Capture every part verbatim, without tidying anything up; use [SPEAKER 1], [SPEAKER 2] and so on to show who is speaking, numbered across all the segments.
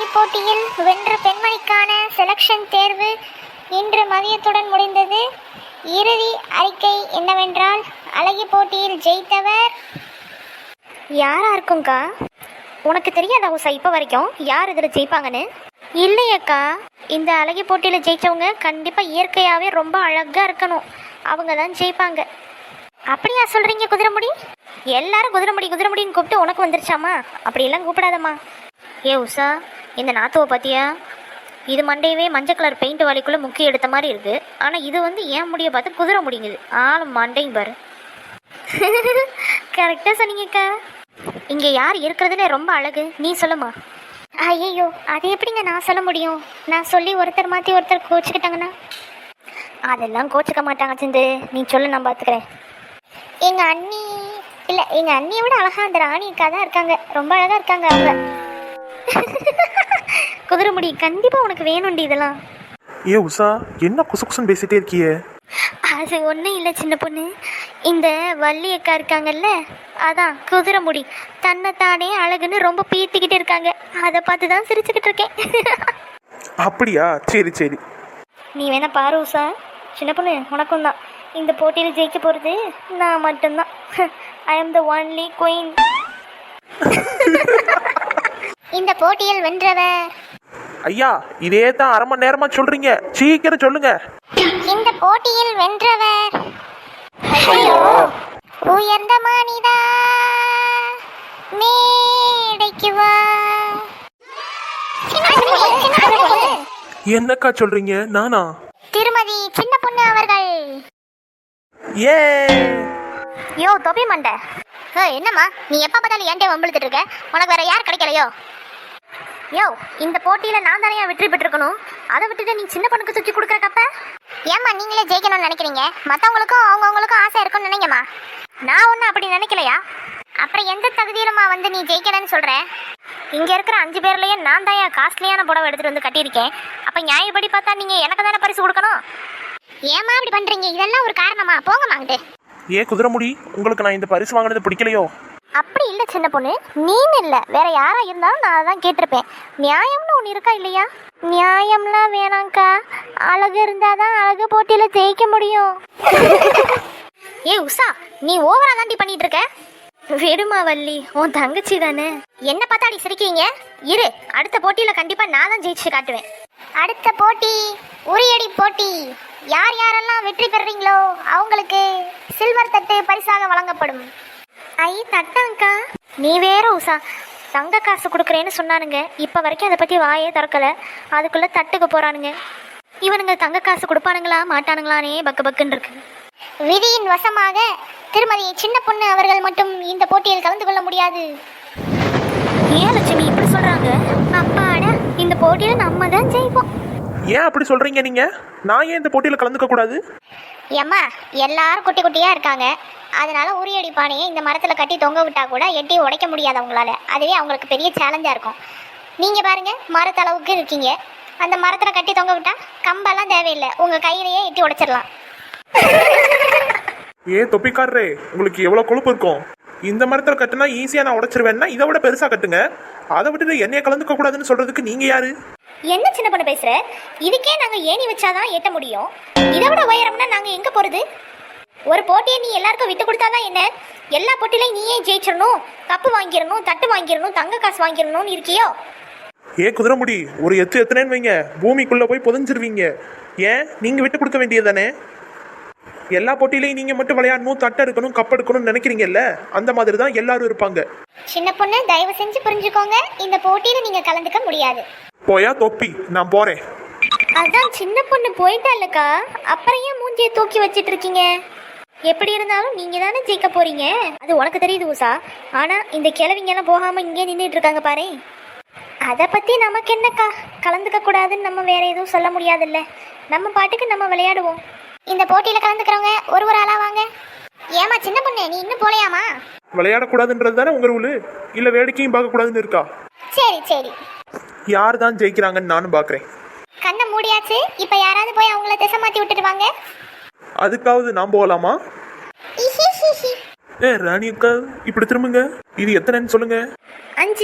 [SPEAKER 1] அழகி போட்டியில் வென்ற பெண்மணிக்கான செலக்ஷன் தேர்வு இன்று மதியத்துடன் முடிந்தது. இறுதி அறிக்கை என்னவென்றால், அழகி போட்டியில் ஜெயித்தவர்
[SPEAKER 2] யாரா இருக்கும்க்கா? உனக்கு தெரியாதா உஷா இப்போ வரைக்கும் யார் இதில் ஜெயிப்பாங்கன்னு? இல்லையக்கா, இந்த அழகி போட்டியில் ஜெயித்தவங்க கண்டிப்பாக இயற்கையாகவே ரொம்ப அழகாக இருக்கணும், அவங்க தான் ஜெயிப்பாங்க. அப்படியா சொல்கிறீங்க குதிரைமுடி? எல்லாரும் குதிரைமுடி குதிரைமுடின்னு கூப்பிட்டு உனக்கு வந்துருச்சாமா? அப்படியெல்லாம் கூப்பிடாதம்மா. ஏ உஷா, இந்த நாத்துவை பார்த்தியா? இது மண்டையவே மஞ்சள் கலர் பெயிண்ட் வாலிக்குள்ளே முக்கிய எடுத்த மாதிரி இருக்குது. ஆனால் இது வந்து ஏன் முடிய பார்த்து குதிரை முடிங்குது. ஆள் மண்டையும் பாரு. கரெக்டாக சொன்னீங்கக்கா. இங்கே யார் இருக்கிறதுல ரொம்ப அழகு நீ சொல்லுமா?
[SPEAKER 1] ஐயோ, அது எப்படிங்க நான் சொல்ல முடியும்? நான் சொல்லி ஒருத்தர் மாற்றி ஒருத்தர் கோச்சிக்கிட்டாங்கன்னா?
[SPEAKER 2] அதெல்லாம் கோச்சிக்க மாட்டாங்க சிந்து, நீ சொல்லு, நான் பார்த்துக்கிறேன்.
[SPEAKER 1] எங்கள் அண்ணி இல்லை, எங்கள் அண்ணியை விட அழகாக அந்த ராணிக்கா தான் இருக்காங்க. ரொம்ப அழகாக இருக்காங்க அவங்க.
[SPEAKER 2] குதிரைமுடி கண்டிப்பாக உனக்கு வேணும்டி இதெல்லாம்.
[SPEAKER 3] ஏ உஷா, என்ன குசு குசுன்னு பேசிட்டே இருக்கியே?
[SPEAKER 2] அது ஒன்றும் இல்லை சின்ன பொண்ணு, இந்த வள்ளி அக்கா இருக்காங்கல்ல, அதான் குதிரைமுடி தன்னைத்தானே அழகுன்னு ரொம்ப பீத்திக்கிட்டு இருக்காங்க. அதை பார்த்து தான் சிரிச்சுக்கிட்டு இருக்கேன்.
[SPEAKER 3] அப்படியா? சரி சரி.
[SPEAKER 2] நீ வேணா பாரு உஷா, சின்ன பொண்ணு உனக்கும் தான் இந்த போட்டியில் ஜெயிக்க போகிறது நான் மட்டும்தான். I am the only queen.
[SPEAKER 1] இந்த போட்டியில் வென்றவர்
[SPEAKER 3] ஐயா, இதே தான் அரை மணி நேரமா சொல்றீங்க, சீக்கிரம் சொல்லுங்க.
[SPEAKER 1] இந்த போட்டியில் வென்றவர் உயர்ந்த மனிதா மேடைக்கு வா.
[SPEAKER 3] என்னக்கா சொல்றீங்க? நானா?
[SPEAKER 1] திருமதி சின்ன பொண்ணு அவர்கள்.
[SPEAKER 3] ஏ
[SPEAKER 2] யோ தொப்பி மண்டை,
[SPEAKER 1] என்னம்மா நீ எப்ப பார்த்தாலும் ஏன்டே வம்பிழுத்துட்டு இருக்க? உனக்கு வேற யார் கிடைக்கலையோ?
[SPEAKER 2] யோ இந்த போட்டியில் நான் தானே வெற்றி பெற்றிருக்கணும், அதை விட்டுட்டு நீ சின்ன பொண்ணுக்கு தூக்கி கொடுக்குற கப்ப?
[SPEAKER 1] ஏம்மா நீங்களே ஜெயிக்கணும்னு நினைக்கிறீங்க? மற்றவங்களுக்கும் அவங்கவுங்களுக்கும் ஆசை இருக்கும்னு நினைங்கம்மா.
[SPEAKER 2] நான் ஒன்றும் அப்படி நினைக்கலையா?
[SPEAKER 1] அப்புறம் எந்த தகுதியிலுமா வந்து நீ ஜெயிக்கணும்னு சொல்ற?
[SPEAKER 2] இங்கே இருக்கிற அஞ்சு பேர்லேயே நான் தான் என் காஸ்ட்லியான புடவை எடுத்துகிட்டு வந்து கட்டியிருக்கேன். அப்போ நியாயப்படி பார்த்தா நீங்கள் எனக்கு தானே பரிசு கொடுக்கணும்.
[SPEAKER 1] ஏம்மா இப்படி பண்றீங்க? இதெல்லாம் ஒரு காரணமா? போங்கம்மா அங்கிட்டு.
[SPEAKER 3] ஏ குதிரைமுடி, உங்களுக்கு நான் இந்த பரிசு வாங்கினது பிடிக்கலையோ?
[SPEAKER 2] அப்படி இல்லை சின்ன பொண்ணு, நீன்னு இல்லை, வேற யாரா இருந்தாலும் நான் அதான் கேட்டிருப்பேன். நியாயம்னு ஒன்று இருக்கா இல்லையா? நியாயம்லாம் வேணாங்க்கா, அழகு இருந்தாதான் அழகு போட்டியில் ஜெயிக்க முடியும். ஏ உஷா, நீ ஓவரா தாண்டி பண்ணிட்டு இருக்க. விடுமா வள்ளி, உன் தங்கச்சி தானே. என்ன பார்த்தா அடி சிரிக்கிறீங்க? இரு, அடுத்த போட்டியில் கண்டிப்பாக நான் தான் ஜெயிச்சு காட்டுவேன்.
[SPEAKER 1] அடுத்த போட்டி உரியடி போட்டி. யார் யாரெல்லாம் வெற்றி பெறுறீங்களோ அவங்களுக்கு சில்வர் தட்டு பரிசாக வழங்கப்படும்.
[SPEAKER 2] ஐ தட்டங்கா, நீ வேற உஷா, தங்க காசு கொடுக்குறேன்னு சொன்னானுங்க, இப்போ வரைக்கும் அதை பற்றி வாயே திறக்கலை, அதுக்குள்ளே தட்டுக்கு போகிறானுங்க. இவனுங்க தங்க காசு கொடுப்பானுங்களா மாட்டானுங்களானே பக்கு பக்குன்னு இருக்கு.
[SPEAKER 1] விதியின் வசமாக திருமதி சின்ன பொண்ணு அவர்கள் மட்டும் இந்த போட்டியில் கலந்து கொள்ள முடியாது.
[SPEAKER 2] ஏன் லட்சுமி இப்படி சொல்கிறாங்க? அப்பாடா, இந்த போட்டியில் நம்ம தான் ஜெயிப்போம்.
[SPEAKER 3] ஏன் அப்படி சொல்றீங்க நீங்க? நான் ஏன் இந்த போட்டியில கலந்துக்க கூடாது?
[SPEAKER 1] ஏம்மா எல்லாரும் குட்டி குட்டியா இருக்காங்க, அதனால உரியடி பானையை இந்த மரத்துல கட்டி தொங்க விட்டா கூட எட்டி உடைக்க முடியாது அவங்களால. அதுவே அவங்களுக்கு பெரிய சேலஞ்சா இருக்கும். நீங்க பாருங்க, மரத்தளவுக்கு இருக்கீங்க, அந்த மரத்துல கட்டி தொங்க விட்டா கம்பெல்லாம் தேவையில்லை, உங்க கையிலேயே எட்டி உடைச்சிடலாம்.
[SPEAKER 3] ஏ தொப்பிக்காரரே, உங்களுக்கு எவ்வளவு கொழுப்பு இருக்கும்? இந்த மரத்துல கட்டுனா ஈஸியா நான் உடைச்சிருவேன்னா இதை விட பெருசா கட்டுங்க. அதை விட்டுட்டு என்னைய கலந்துக்க கூடாதுன்னு சொல்றதுக்கு நீங்க யாரு?
[SPEAKER 2] என்ன சின்ன பொண்ணு பேசுற? இதுக்கே நாங்க ஏணி வச்சாதான் ஏட்ட முடியும், இதை விட உயரம்னா நாங்க எங்க போறது? ஒரு போட்டியை நீ எல்லாருக்கும் விட்டு கொடுத்தாதான் என்ன? எல்லா போட்டியிலையும் நீயே ஜெயிச்சிடணும், கப்பு வாங்கிடணும், தட்டு வாங்கிடணும், தங்க காசு வாங்கிடணும்னு இருக்கியோ?
[SPEAKER 3] ஏ குதிரைமுடி, ஒரு எத்து எத்தனைன்னு வைங்க, பூமிக்குள்ள போய் புதஞ்சிருவீங்க. ஏன் நீங்க விட்டு கொடுக்க வேண்டியதானே? எல்லா போட்டியிலையும் நீங்க மட்டும் விளையாடணும், தட்டு எடுக்கணும், கப் எடுக்கணும்னு நினைக்கிறீங்கல்ல, அந்த மாதிரி தான் எல்லாரும் இருப்பாங்க.
[SPEAKER 1] சின்ன பொண்ணு தயவு செஞ்சு புரிஞ்சுக்கோங்க, இந்த போட்டியில நீங்க கலந்துக்க முடியாது.
[SPEAKER 3] போயா தொப்பி, நான் போறேன்.
[SPEAKER 2] அதான் சின்ன பொண்ணு போயிட்டாலக்கா, அப்புறம் ஏன் மூஞ்சியை தூக்கி வச்சிட்டு இருக்கீங்க? எப்படி இருந்தாலும் நீங்க தானே ஜெயிக்க போறீங்க, அது உனக்கு தெரியுது உஷா. ஆனா இந்த கிழவிங்க எல்லாம் போகாம இங்கே நின்றுட்டு இருக்காங்க பாரு. அதை பத்தி நமக்கு என்னக்கா, கலந்துக்க கூடாதுன்னு நம்ம வேற எதுவும் சொல்ல முடியாதுல்ல, நம்ம பாட்டுக்கு நம்ம விளையாடுவோம்.
[SPEAKER 1] இந்த போட்டியில கலந்துக்கிறவங்க ஒரு ஒரு ஆளா வாங்க. ஏமா சின்ன பொண்ணு நீ இன்னும் போலையாமா?
[SPEAKER 3] விளையாடக்கூடாதுன்றது தானே உங்க ரூலு, இல்ல வேடிக்கையும் பார்க்க கூடாதுன்னு இருக்கா?
[SPEAKER 1] சரி சரி,
[SPEAKER 3] யார் தான் ஜெயிக்கிறாங்கன்னு நானும் பாக்குறேன்.
[SPEAKER 1] கண்ணை மூடியாச்சு, இப்ப யாராவது போய் அவங்கள திசை மாத்தி விட்டுட்டு வாங்க.
[SPEAKER 3] அதுக்காவது நான் போகலாமா? ஏ ராணி அக்கா, இப்படி திரும்புங்க. இது எத்தனைன்னு சொல்லுங்க.
[SPEAKER 2] அஞ்சு.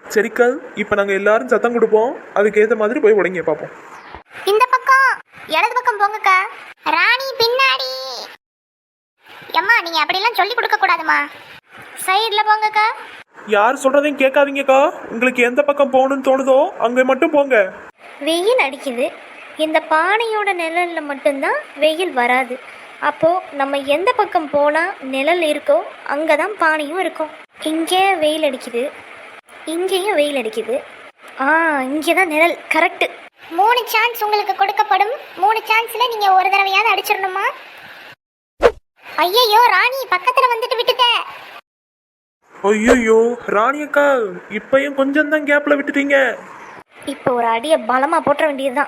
[SPEAKER 3] சரிக்கா, இப்ப நாங்க எல்லாரும் சத்தம் கொடுப்போம், அதுக்கேத்த மாதிரி போய் உடைங்க பார்ப்போம்.
[SPEAKER 1] இந்த பக்கம் இடது பக்கம் போங்கக்கா. ராணி பின்னாடி. அம்மா நீங்க அப்படிலாம் சொல்லி கொடுக்க கூடாதுமா.
[SPEAKER 2] சைடில் போங்கக்கா.
[SPEAKER 3] யார் சொல்றதையும் கேட்காதீங்கக்கா. உங்களுக்கு எந்த பக்கம் போகணும்னு தோணுதோ அங்க மட்டும் போங்க.
[SPEAKER 2] வெயில் அடிக்குது. இந்த பானையோட நிழலில் மட்டும்தான் வெயில் வராது. அப்போது நம்ம எந்த பக்கம் போனால் நிழல் இருக்கோ அங்கே தான் பானையும் இருக்கும். இங்கே வெயில் அடிக்குது, இங்கேயும் வெயில் அடிக்குது. ஆ இங்கே தான் நிழல். கரெக்டு.
[SPEAKER 1] மூணு சான்ஸ் உங்களுக்கு கொடுக்கப்படும். மூணு சான்ஸ்ல நீங்க ஒரு தடவையாவது அடிச்சிடணுமா? ஐயையோ ராணி பக்கத்துல வந்துட்டு விட்டுட்ட.
[SPEAKER 3] ஐயோ ராணி அக்கா, இப்பயும் கொஞ்சம் தான் கேப்ல விட்டுட்டீங்க.
[SPEAKER 2] இப்போ ஒரு அடியை பலமாக போட்ட வேண்டியதுதான்.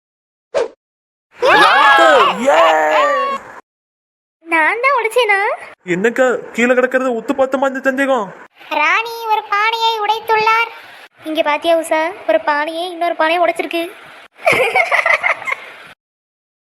[SPEAKER 2] நான் தான் உடைச்சேனா?
[SPEAKER 3] என்னக்கா கீழே கிடக்கிறது உத்து பார்த்தமா இந்த சந்தேகம்?
[SPEAKER 1] ராணி ஒரு பானையை உடைத்துள்ளார்.
[SPEAKER 2] இங்கே பாத்தியா உஷா, ஒரு பானையே இன்னொரு பானையை உடைச்சிருக்கு.